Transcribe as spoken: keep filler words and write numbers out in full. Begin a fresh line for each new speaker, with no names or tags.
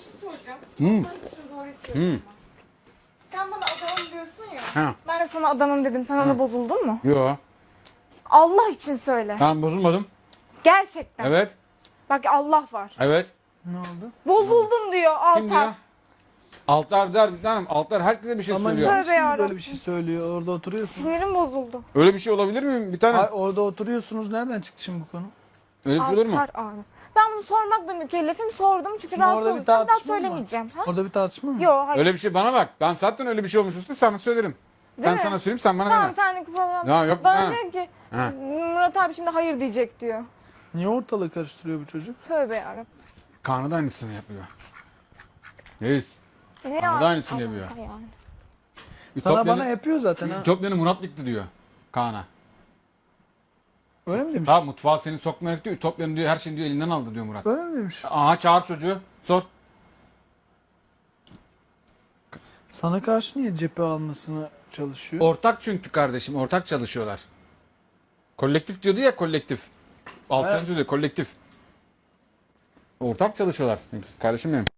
şey soracağım.
Hmm.
Allah için doğruyu söyleyeyim.
Hmm.
Sen bana adamım diyorsun ya.
Ha.
Ben de sana adamım dedim. Sen ona bozuldun mu?
Yo.
Allah için söyle.
Ben bozulmadım.
Gerçekten.
Evet.
Bak Allah var.
Evet.
Ne oldu?
Bozuldun diyor
Kim diyor?
Altar.
Altlar der bir tanem. Altlar herkese bir şey
Ama
söylüyor.
niye
Tövbe
şimdi
yarabbim.
böyle bir şey söylüyor? Orada oturuyorsun.
Sinirim bozuldu.
Öyle bir şey olabilir mi bir tanem?
Ay, orada oturuyorsunuz. Nereden çıktı şimdi bu konu?
Öyle bir şey olur mu?
Altar abi. Ben bunu sormakla mükellefim. Sordum çünkü
Şimdi
rahatsız
orada bir
oldum. Sen daha
tartışma mı var?
söylemeyeceğim. Ha?
Orada bir tartışma mı?
Yok hayır.
Öyle bir şey bana bak. Ben zaten öyle bir şey olmuşsa sana söylerim.
Değil
ben
mi?
sana söyleyeyim sen bana
Tamam
deme.
senlik falan.
Ya yok,
Bana
ha.
diyor ki
Ha.
Murat abi şimdi hayır diyecek diyor.
Niye ortalığı karıştırıyor bu çocuk?
Tövbe yarabbim.
Kaan'ı da aynısını yapıyor. Reis.
Ne
Bana da
ya?
aynısını yapıyor.
Allah yani.
Sana bana yapıyor zaten ha.
Ütopya'nı Murat yıktı diyor Kaan'a.
Öyle mi demiş?
Tamam mutfağa seni sokmayarak diyor. Ütopya'nın diyor her şeyini diyor elinden aldı diyor Murat.
Öyle mi demiş?
Aha çağır çocuğu. Sor.
Sana karşı niye cephe almasını çalışıyor?
Ortak çünkü kardeşim. Ortak çalışıyorlar. Kolektif diyordu ya kolektif. Alternatif diyor kolektif. Ortak çalışıyorlar. Kardeşim benim.